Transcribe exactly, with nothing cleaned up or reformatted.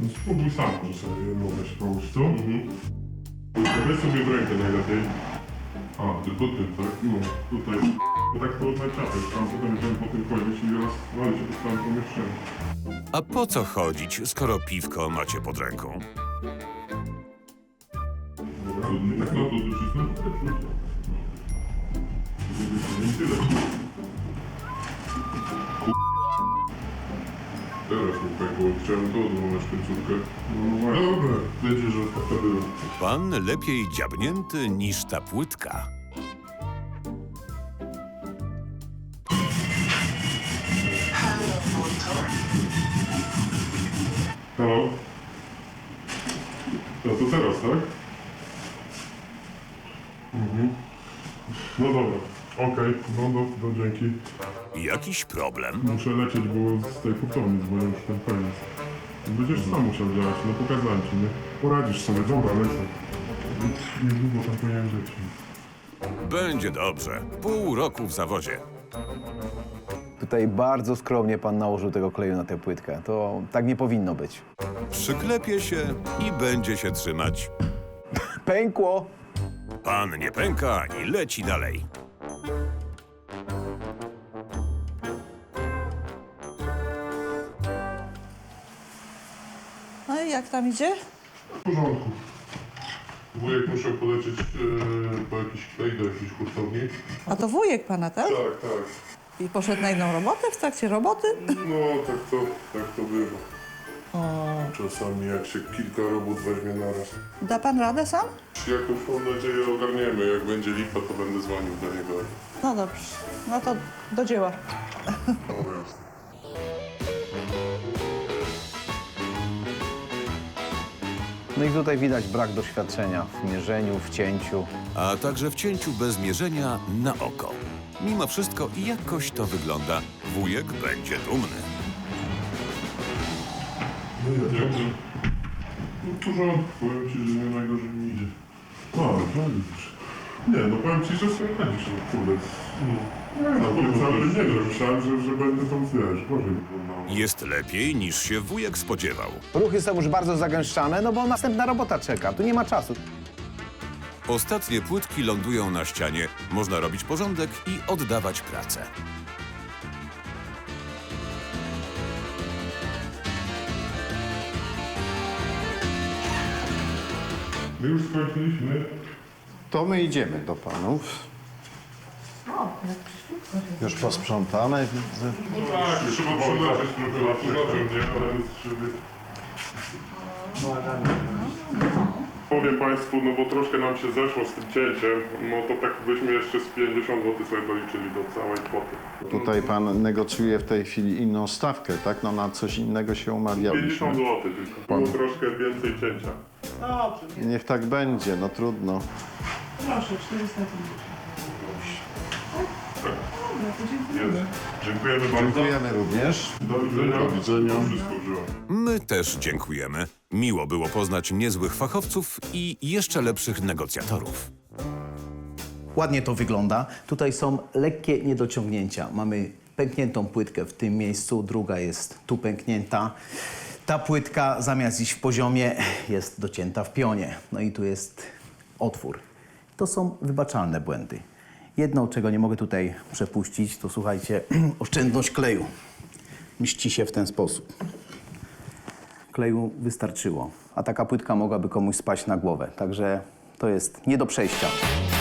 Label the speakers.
Speaker 1: No spróbuj sam, że sobie mogę się połóż tu. Mhm. Weź sobie w rękę najlepiej. A, tylko ty, tak? No, tutaj. Bo tak to odnaciapek, tam potem będziemy po tym chodzić i raz wali się po całym pomieszczeniu.
Speaker 2: A po co chodzić, skoro piwko macie pod ręką?
Speaker 1: Dobra, tak no to docisnąć? Nie tyle. Teraz mi pękło, chciałem to odłamać końcówkę. No właśnie. Dobra, wiecie, że to było.
Speaker 2: Pan lepiej dziabnięty niż ta płytka.
Speaker 1: Halo? No to teraz, tak? Mhm. No dobra, okej, no do, do dzięki.
Speaker 2: Jakiś problem?
Speaker 1: Muszę lecieć, bo z tej hurtowni dzwonię już ten koniec. Będziesz sam musiał działać, no pokazałem ci, nie? Poradzisz sobie, dobra, lecę. Niedługo tam powinien żyć.
Speaker 2: Będzie dobrze. Pół roku w zawodzie.
Speaker 3: Tutaj bardzo skromnie pan nałożył tego kleju na tę płytkę. To tak nie powinno być.
Speaker 2: Przyklepie się i będzie się trzymać.
Speaker 3: Pękło!
Speaker 2: Pan nie pęka i leci dalej.
Speaker 4: No i jak tam idzie?
Speaker 1: W porządku. Wujek musiał polecieć e, po jakiś klej do jakiejś hurtowni.
Speaker 4: A to wujek pana, tak?
Speaker 1: Tak, tak.
Speaker 4: I poszedł na inną robotę w trakcie roboty?
Speaker 1: No, tak to, tak to bywa. Czasami jak się kilka robót weźmie naraz.
Speaker 4: Da pan radę sam?
Speaker 1: Jakąś mam nadzieję ogarniemy. Jak będzie lipa, to będę dzwonił do niego.
Speaker 4: No dobrze. No to do dzieła.
Speaker 1: Dobra.
Speaker 3: No i tutaj widać brak doświadczenia w mierzeniu, w cięciu.
Speaker 2: A także w cięciu bez mierzenia na oko. Mimo wszystko jakoś to wygląda. Wujek będzie dumny.
Speaker 1: No ja dziękuję. No w porządku, powiem ci, że nie najgorzej mi idzie. No, no widzisz. Nie, no powiem ci, że sobie radzisz, no kurde. No, no kurde, cały nie wiem, myślałem, że, że będę tam, wiesz, gorzej wyglądało.
Speaker 2: Jest lepiej niż się wujek spodziewał.
Speaker 3: Ruchy są już bardzo zagęszczane, no bo następna robota czeka. Tu nie ma czasu.
Speaker 2: Ostatnie płytki lądują na ścianie. Można robić porządek i oddawać pracę.
Speaker 1: My już skończyliśmy.
Speaker 5: To my idziemy do panów. Już posprzątane, widzę.
Speaker 1: Tak, trzeba przyleczyć trochę latynotem, nie? Ale żeby... Powiem Państwu, no bo troszkę nam się zeszło z tym cięciem, no to tak byśmy jeszcze z pięćdziesiąt złotych sobie doliczyli do całej kwoty.
Speaker 5: Tutaj pan negocjuje w tej chwili inną stawkę, tak? No na coś innego się umawialiśmy.
Speaker 1: pięćdziesiąt złotych tylko.
Speaker 5: Pan-
Speaker 1: Było troszkę więcej cięcia.
Speaker 4: Dobrze,
Speaker 5: Niech tak będzie, no trudno.
Speaker 4: proszę, czterysta pięćdziesiąt.
Speaker 1: Jest. Dziękujemy bardzo.
Speaker 5: Dziękujemy również.
Speaker 1: Do widzenia.
Speaker 5: Do widzenia.
Speaker 1: Wszystko wziąłem.
Speaker 2: My też dziękujemy. Miło było poznać niezłych fachowców i jeszcze lepszych negocjatorów.
Speaker 3: Ładnie to wygląda. Tutaj są lekkie niedociągnięcia. Mamy pękniętą płytkę w tym miejscu, druga jest tu pęknięta. Ta płytka zamiast iść w poziomie jest docięta w pionie. No i tu jest otwór. To są wybaczalne błędy. Jedno, czego nie mogę tutaj przepuścić, to słuchajcie, oszczędność kleju. Mści się w ten sposób. Kleju wystarczyło, a taka płytka mogłaby komuś spaść na głowę. Także to jest nie do przejścia.